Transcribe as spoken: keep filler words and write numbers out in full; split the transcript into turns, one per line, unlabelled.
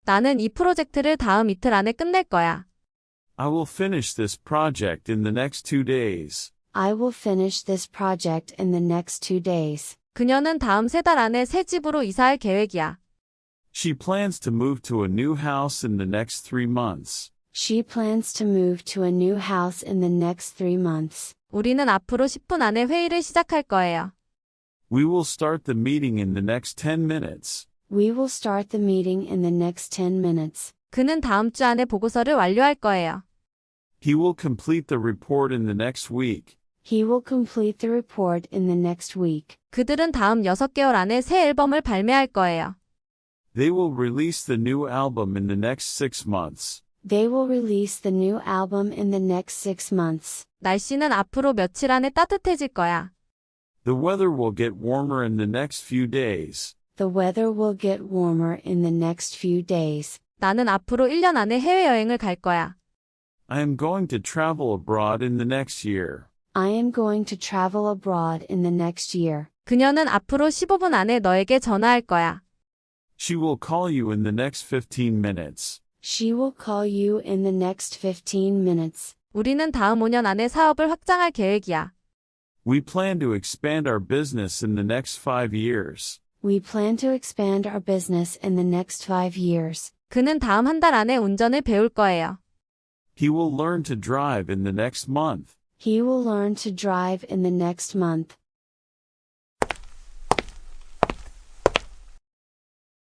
나는 이 프로젝트를 다음 이틀 안에 끝낼 거야.
I will finish this project in the next two days.
I will finish this project in the next two days.
그녀는 다음 세 달 안에 새 집으로 이사할 계획이야.
She plans to move to a new house in the next three months.
She plans to move to a new house in the next three months.
우리는 앞으로 십 분 안에 회의를 시작할 거예요.
We will start the meeting in the next ten minutes.
We will start the meeting in the next ten minutes.
그는 다음 주 안에 보고서를 완료할 거예요.
He will complete the report in the next week.
He will complete the report in the next week.
그들은 다음 여섯 개월 안에 새 앨범을 발매할 거예요.
They will release the new album in the next six months.
They will release the new album in the next six months.
날씨는 앞으로 며칠 안에 따뜻해질 거야.
The weather will get warmer in the next few days.
The weather will get warmer in the next few days.
나는 앞으로 일 년 안에 해외여행을 갈 거야.
I am going to travel abroad in the next year.
I am going to travel abroad in the next year.
그녀는 앞으로 십오 분 안에 너에게 전화할 거야.
She will call you in the next fifteen minutes.
She will call you in the next fifteen minutes.
우리는 다음 오 년 안에 사업을 확장할 계획이야.
We plan to expand our business in the next five years.
We plan to expand our business in the next five years.
그는 다음 한 달 안에 운전을 배울 거예요.
He will learn to drive in the next month.
He will learn to drive in the next month.